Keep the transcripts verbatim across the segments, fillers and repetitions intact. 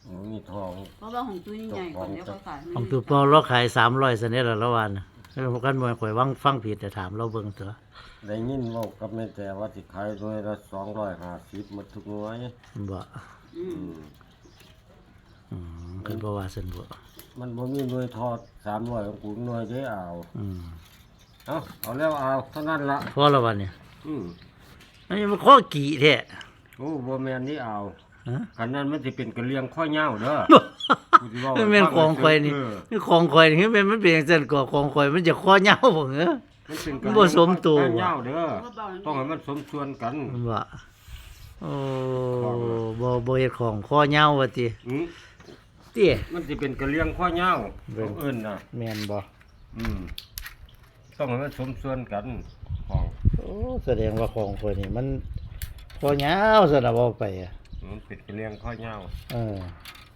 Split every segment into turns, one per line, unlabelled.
มีทอง
เพราะว่าของตุ้ยใหญ่กว่าเดี๋ยวเขาขาย
ของตัวปอเราขายสามร้อยเสนละละวันแล้วกันบ่ข่อยวังฟังผิดแต่ถามเราเบิ่งเถอะ
ได้ยินเว่ากับแม่แต่ว่าสิขายหน่วยละสองร้อยห้าสิบหมดทุกหน่วย
บ่
อืม
อืม
อืมคือบ่ว่าซั่นบ่
มันบ่มีหน่วยทอดสามร้อยของกูหน่วยได้เอา
อืม
เอาเอาแล้วเอาเท่านั้นละ
พอละวันเนี่ย
อืม
อันนี้มันข้อกี่แท้
โอ้บ่แม่นนี่เอา
ฮะ
คันนั้นมันสิเป็นกระเลียงข้อเหย้าเด้อ กูสิเว้า
มันเป็นของข่อยนี่
เออ
นี่ของข่อยนี่มันเป็นมันเป็นจังซั่นก็ของข่อยมันจะข้อเหย้าบ่เหรอ
มันเป็นก
มั
ระ
น
เลี
บ่
ยง
สมตัว
ข้อเหย้าเด้อต้องให้มันสมส่วนกัน
มันว่าโอ้บ่บ่เฮ็ดของข้อเหย้าว่าติ
อืม
เตี้ย
มันสิเป็นกระเลียงข้อเหย้า
เบิ่
ของ งเอิ้นน่ะ
แม่นบ่
อืมต้องให้มันสมส่วนกันของ
โอ้แสดงว่าของข่อยนี่มันข้อเหย้าซั่นน่ะบ่ไปอะ
มันเป็นกระเลียงข้อเหย้า
เออ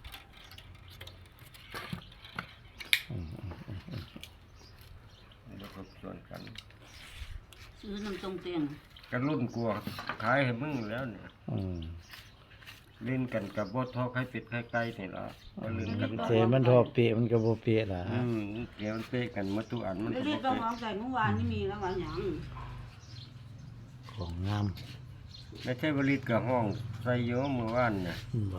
มันสมส่วนกัน
ซื้อน้ำตรงเตียง
กันรุ่นกลัวขายให้มึงแล้วเนี่ย
อืม
เล่นกันกับบ่ทอไข่เป็ดไข่ไก่นี่ล่ะบ่เล่นกัน
เสมันทอเปียมันก็บ่เปียล่ะ
อืมเดี๋ยวมันเป๊ะกันหมาทุกอันมัน
ไม่
ก็
ได้
บ่
ต้อง
เป๊ะ
เอาใส่เมื่อวานนี่มีแล้วว่าหยัง
ของงาม
ไม่ใช่บริษกับห้องใส่เยอะเมื่อวานเนี่ย
บ่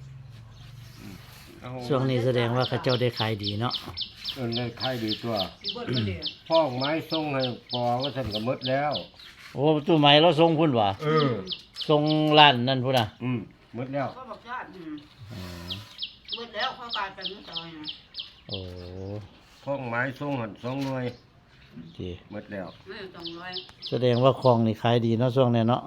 เอา
ช่วงนี้แสดงว่าเขาเจ้าได้ขายดีเนาะ
เออในไข่ดีตัว
สิบ่ได้เด้อ
พ้องไม้ส่งให้ปอว่าฉันก็หมดแล้ว
โอ้ตู้ไม้เราส่งพุ่นว่ะ
เออ
ส่งร้านนั่นพุ่นน่ะ
อืมหมดแล้ว
ก็บอกชาติอืม
อ๋อ
เบิดแล้วเขากลายเป็นมื้อซอยนะ
โอ้
พ้องไม้ส่งหันสองหน่วย
ดี
หมดแล้ว
ไม่ต้องร้อย
แสดงว่าของนี่ขายดีเนาะช่วงนี้เนาะ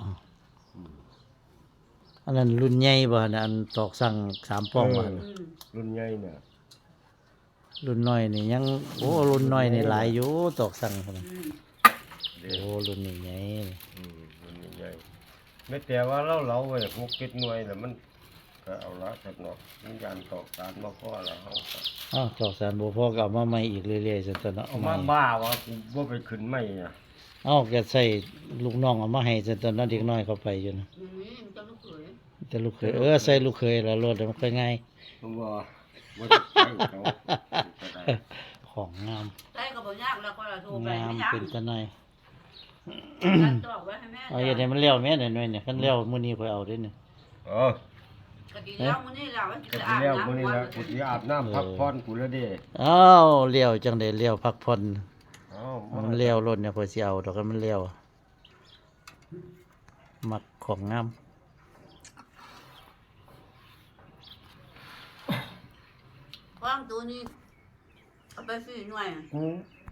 อันนั้นรุ่นใหญ่บ่นะอันตอกสั่งสามป้องบ่
เออ
อืม
รุ่นใหญ่เนี่ย
รุ่นน้อยนี่ยังโอ้รุ่นน้อยนี่หลายอยู่ตอกสั่งพุ่นน่ะ
อืม
เด้
โอ้รุ่นนี้ใหญ่
อืมรุ่นใหญ่ไม่แต่ว่าเราเราไว้หกเจ็ดหน่วยแล้วมันก็เอาละสักหน่อยมันยานตอกตานมาพอแล้วเอาก็
อ้าวตอกสารบ่พอก็เอามาใหม่อีกเรื่อยๆซั่นตัวเนาะ
เอามาบ้าว่ากูบ่ไปขึ้นไม่อ่ะ
เอ้าแกใส่ลูกน้องเอามาให้ซั่นตัวเนาะเด็กน้อยเข้าไปอยู่นะ
อย่างนี้มันจะลูกเขย
แต่ลูกเคยเออใส่ลูกเคยแล้วรถมันค่อยง่าย
ผมว่าว่าจะไปเขาก็ได้
ของงาม
ใส่ก็บ่ยากแล้วก็โทรไป
งาม
ไม่ยาก
เป็นตะหน่อย
นั่นตอกไว้ให้แม่
เอาอย่างนี้มันเลี้ยวแม่หน่อยๆเนี่ยคันเลี้ยวมื้อนี้ค่อยเอาเด้อเนี่ย
เออก
ะกินแล้วมื้อนี้แล้วมัน
ก็
จะ
สิ
อาบ
แล้ว
น้ำ
มื้อนี้
ก่อน
ละกูสิอาบน้ำพักผ่อนกูแล้วเด้
อ้าวเลี้ยวจังได๋เลี้ยวพักผ่อน
เอ้า
มันเลี้ยวรถเนี่ยค่อยสิเอาดอกกันมันเลี้ยวมักของงาม
วางตัวนี้เอาไปฟรีหน่อย
กู